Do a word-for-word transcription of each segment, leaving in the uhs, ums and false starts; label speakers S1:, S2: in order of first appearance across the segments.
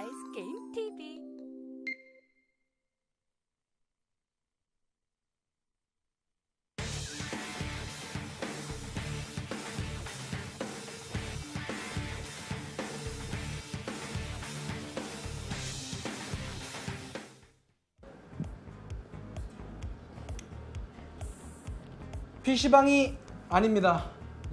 S1: 나이스 게임 티비.
S2: 피시방이 아닙니다.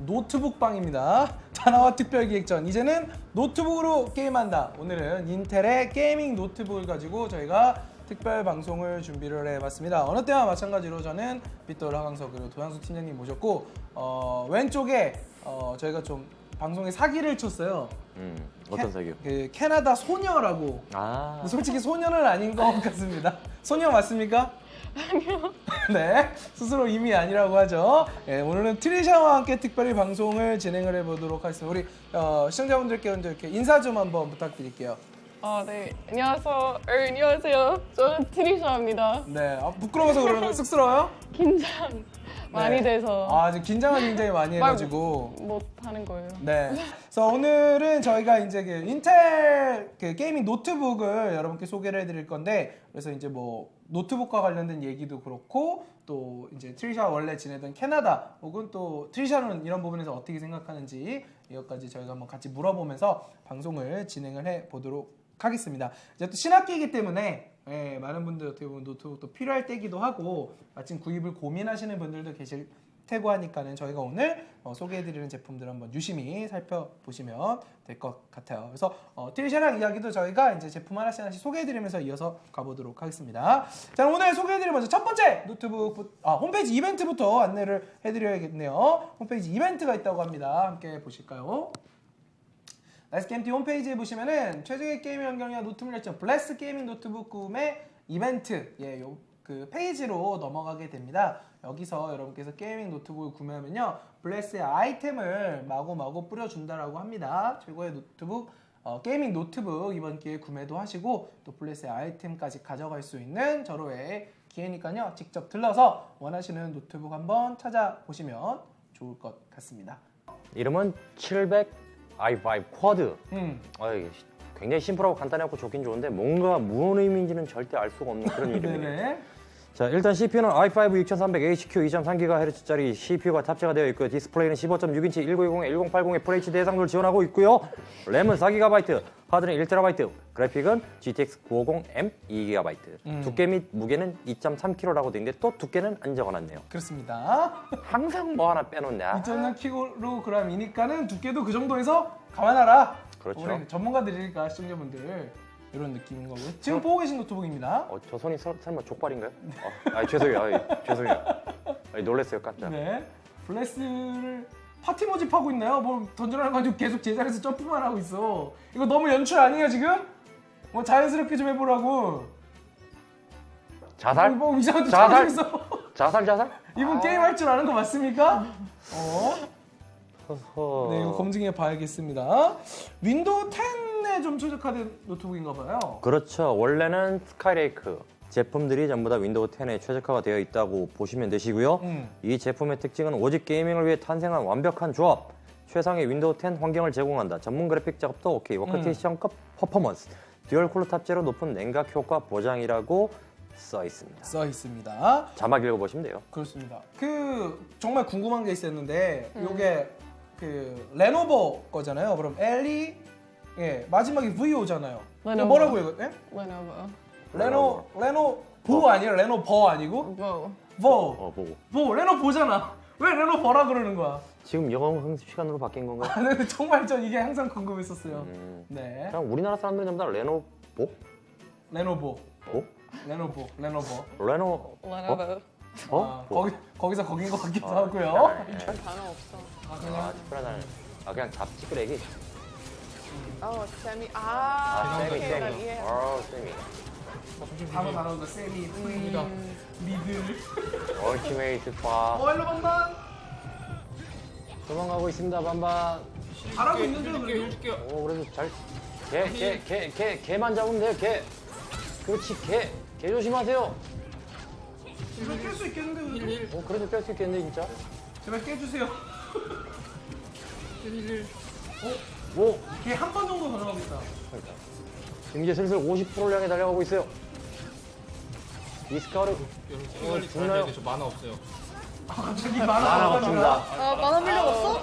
S2: 노트북방입니다. 다나와 특별기획전. 이제는 노트북으로 게임한다. 오늘은 인텔의 게이밍 노트북을 가지고 저희가 특별 방송을 준비를 해봤습니다. 어느 때와 마찬가지로 저는 빗돌 하강석 그리고 도양수 팀장님 모셨고 어, 왼쪽에 어, 저희가 좀 방송에 사기를 쳤어요.
S3: 음, 어떤
S2: 캐,
S3: 사기요?
S2: 그 캐나다 소녀라고.
S3: 아,
S2: 근데 솔직히 소녀는 아닌 것 같습니다. 소녀 맞습니까? 아니요. 네, 스스로 이미 아니라고 하죠. 네, 오늘은 트리샤와 함께 특별히 방송을 진행을 해보도록 하겠습니다. 우리 어, 시청자분들께 먼저 이렇게 인사 좀 한번 부탁드릴게요.
S4: 아, 네. 안녕하세요. 어, 안녕하세요. 저는 트리샤입니다.
S2: 네, 아, 부끄러워서 그러는 거 쑥스러워요?
S4: 긴장 많이
S2: 네.
S4: 돼서
S2: 아, 지금 긴장을 굉장히 많이
S4: 말
S2: 해가지고.
S4: 못 하는 거예요.
S2: 네. 그래서 오늘은 저희가 이제 그 인텔 그 게이밍 노트북을 여러분께 소개를 해드릴 건데, 그래서 이제 뭐 노트북과 관련된 얘기도 그렇고, 또 이제 트리샤 원래 지내던 캐나다, 혹은 또 트리샤는 이런 부분에서 어떻게 생각하는지 이것까지 저희가 한번 같이 물어보면서 방송을 진행을 해 보도록 하겠습니다. 이제 또 신학기이기 때문에 예, 많은 분들 어떻게 보면 노트북도 필요할 때기도 하고 마침 구입을 고민하시는 분들도 계실 테고 하니까는 저희가 오늘 어, 소개해드리는 제품들 한번 유심히 살펴보시면 될 것 같아요. 그래서 어, 트리샤랑 이야기도 저희가 이제 제품 하나씩 하나씩 소개해드리면서 이어서 가보도록 하겠습니다. 자, 오늘 소개해드릴 먼저 첫 번째 노트북 아, 홈페이지 이벤트부터 안내를 해드려야겠네요. 홈페이지 이벤트가 있다고 합니다. 함께 보실까요? 나이스 게임티 홈페이지에 보시면은 최적의 게임 환경이와 노트북 열정 블레스 게이밍 노트북 구매 이벤트 예, 요, 그 페이지로 넘어가게 됩니다. 여기서 여러분께서 게이밍 노트북을 구매하면요 블레스의 아이템을 마구마구 뿌려준다라고 합니다. 최고의 노트북 어, 게이밍 노트북 이번 기회에 구매도 하시고 또 블레스의 아이템까지 가져갈 수 있는 절호의 기회니까요 직접 들러서 원하시는 노트북 한번 찾아보시면 좋을 것 같습니다.
S3: 이름은 칠백 아이 파이브 쿼드.
S2: 음.
S3: 아, 이게 굉장히 심플하고 간단하고 좋긴 좋은데 뭔가 무슨 의미인지는 절대 알 수가 없는 그런 이름이에요.
S2: 네네.
S3: 자, 일단 씨피유는 아이 파이브 육삼백 에이치큐 이 점 삼 기가헤르츠짜리 씨피유가 탑재가 되어 있고요. 디스플레이는 십오 점 육 인치 천구백이십, 천팔십 에프에이치디 해상도를 지원하고 있고요. 램은 사 기가바이트, 하드는 일 테라바이트, 그래픽은 지티엑스 구백오십 엠 이 기가바이트.
S2: 음.
S3: 두께 및 무게는 이 점 삼 킬로그램라고 되어 있는데 또 두께는 안 적어놨네요.
S2: 그렇습니다.
S3: 항상 뭐 하나 빼놓냐?
S2: 이 점 삼 킬로그램이니까는 두께도 그 정도에서 감안하라.
S3: 그렇죠.
S2: 우리 전문가들이니까 시청자분들 이런 느낌인 거고요. 지금 보고 계신 노트북입니다.
S3: 어, 저 손이 설, 설마 족발인가요? 어, 아, 죄송해요. 아, 죄송해요. 아, 놀랐어요, 깜짝.
S2: 네. 블레스를 파티 모집하고 있나요? 뭐 던져라는 거 가지고 계속 제자리에서 점프만 하고 있어. 이거 너무 연출 아니에요 지금? 뭐 자연스럽게 좀 해보라고.
S3: 자살?
S2: 뭐 이상한 데
S3: 자살?
S2: 있어.
S3: 자살, 자살?
S2: 이분
S3: 아.
S2: 게임 할 줄 아는 거 맞습니까? 어?
S3: 허허.
S2: 네, 이거 검증해 봐야겠습니다. 윈도우 텐에 좀 최적화된 노트북인가 봐요.
S3: 그렇죠. 원래는 스카이레이크 제품들이 전부 다 윈도우 텐에 최적화가 되어 있다고 보시면 되시고요.
S2: 음.
S3: 이 제품의 특징은 오직 게이밍을 위해 탄생한 완벽한 조합. 최상의 윈도우 텐 환경을 제공한다. 전문 그래픽 작업도 오케이. 워크테이션급 퍼포먼스. 듀얼 쿨러 탑재로 높은 냉각 효과 보장이라고 써 있습니다.
S2: 써 있습니다.
S3: 자막 읽어보시면 돼요.
S2: 그렇습니다. 그 정말 궁금한 게 있었는데 요게 그 레노버 거잖아요. 그럼 엘이 예 마지막에 V 오잖아요.
S4: 레노버.
S2: 뭐라고 이거? 예?
S4: Lenovo.
S2: 레노 레노 보 아니에요? 레노버 아니고?
S4: Vo.
S2: 버.
S3: 어, 보고.
S2: 보 레노버잖아. 왜 레노버라 그러는 거야?
S3: 지금 영어 학습 시간으로 바뀐 건가요?
S2: 아, 근데 정말 전 이게 항상 궁금했었어요.
S3: 음.
S2: 네.
S3: 그냥 우리나라 사람들이 전부 다 레노보?
S2: 레노버.
S3: 보?
S2: 레노버. 레노버.
S3: 레노...
S4: Lenovo.
S3: 어?
S2: 아,
S3: 보?
S2: 거기 거기서 거긴 것 같기도
S3: 어,
S2: 하고요.
S3: 네.
S4: 단어 없어.
S3: 아, 특별하다는. 아, 그냥 잡지끄레기.
S4: Oh, semi.
S3: 아,
S4: 아,
S3: 세미,
S4: 오케이,
S3: 세미.
S4: 나 이해.
S3: 어, 세미.
S2: 단어 단어가 세미, 프리덤, 미들.
S3: 얼티메이트 파.
S2: 어, 일로 반반.
S3: 도망가고 있습니다, 반반.
S2: 잘하고 있는 줄 그래도.
S3: 오, 그래도 잘. 개, 개, 개, 개, 개만 잡으면 돼요, 개. 그렇지, 개. 개 조심하세요.
S2: 이거 깰 수 있겠는데 그래도?
S3: 어, 그래도 깰 수 있겠는데, 진짜.
S2: 제발 깨주세요.
S3: 뭐?
S2: 걔 한 번 정도 더 나가겠다.
S3: 그러니까. 지금 이제 슬슬 오십 퍼센트를 향해 달려가고 있어요. 이스카르
S1: 여러분
S3: 죽나요?
S1: 빨리 돼요. 저 만화 없어요.
S2: 아, 갑자기
S3: 하나
S2: 만화
S3: 없습니다.
S4: 아, 만화 필요가 없어?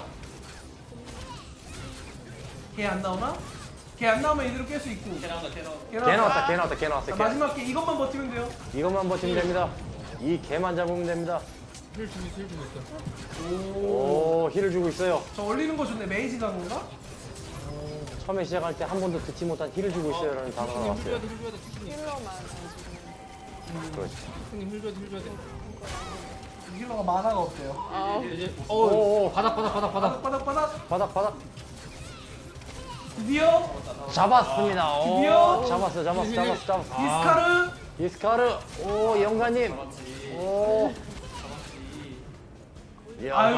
S2: 걔안 나오나? 걔 안 나오면 이대로 깰 수 있고. 걔 나온다, 걔
S3: 개 나왔다, 개 나왔다, 개 나왔다.
S2: 자,
S3: 개.
S2: 마지막 개 이것만 버티면 돼요.
S3: 이것만 버티면 됩니다. 이 개만 잡으면 됩니다.
S1: 힐 주고 힐 주고 있어.
S3: 오, 힐을 주고 있어요.
S2: 저 올리는 거 좋네. 메이지 간 건가?
S3: 처음에 시작할 때 한 번도 듣지 못한 힐을 주고 있어요. 라는 단어가
S1: 힐 줘야
S3: 나왔어요.
S1: 돼, 힐 줘야 돼, 티슈님.
S4: 힐러만.
S3: 그렇지.
S1: 티슈님 힐 줘야 돼, 힐 줘야 돼.
S2: 힐러가 만화가 없대요.
S4: 아,
S1: 이제
S3: 오,
S1: 어
S3: 오.
S1: 바닥 바닥 바닥 바닥.
S2: 바닥 바닥 바닥.
S3: 바닥, 바닥.
S2: 드디어
S3: 잡았습니다. 오,
S2: 드디어.
S3: 잡았어, 잡았어, 잡았어, 잡았어.
S2: 이스카르.
S3: 이스카르. 오, 영가님. 오. 이야.
S2: 아유,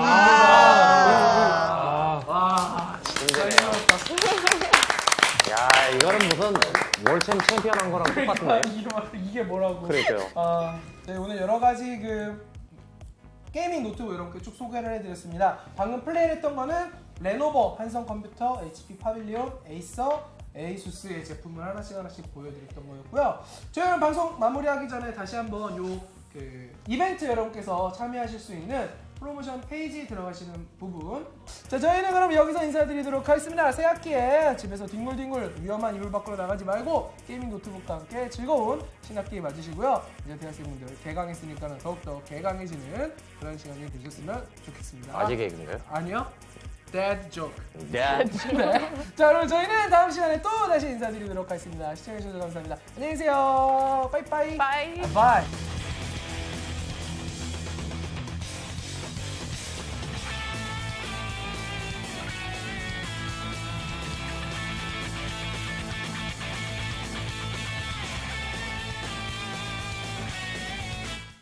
S1: 아,
S2: 와,
S3: 힘드네요.
S2: 잘해봤다.
S3: 야, 이거는 무슨 월챔 챔피언 한 거랑 똑같은데.
S2: 이게, 뭐- 이게 뭐라고?
S3: 그러니까요.
S2: 아, 네, 오늘 여러 가지 그 게이밍 노트북 이렇게 쭉 소개를 해드렸습니다. 방금 플레이를 했던 거는 레노버, 한성컴퓨터, 에이치피 파빌리온, 에이서, 에이수스의 제품을 하나씩 하나씩 보여드렸던 거였고요. 저희는 방송 마무리하기 전에 다시 한번 요 그 이벤트 여러분께서 참여하실 수 있는 프로모션 페이지 들어가시는 부분. 자, 저희는 그럼 여기서 인사드리도록 하겠습니다. 새 학기에 집에서 뒹굴뒹굴 위험한 이불 밖으로 나가지 말고 게이밍 노트북과 함께 즐거운 신학기 맞으시고요. 이제 대학생분들 개강했으니까는 더욱더 개강해지는 그런 시간이 되셨으면 좋겠습니다.
S3: 아직 개그인가요?
S2: 아니요. Dead joke.
S3: 네.
S2: 네. 자, 그럼 저희는 다음 시간에 또 다시 인사드리도록 하겠습니다. 시청해주셔서 감사합니다. 안녕히 계세요. 빠이빠이.
S4: 바이.
S2: 바이.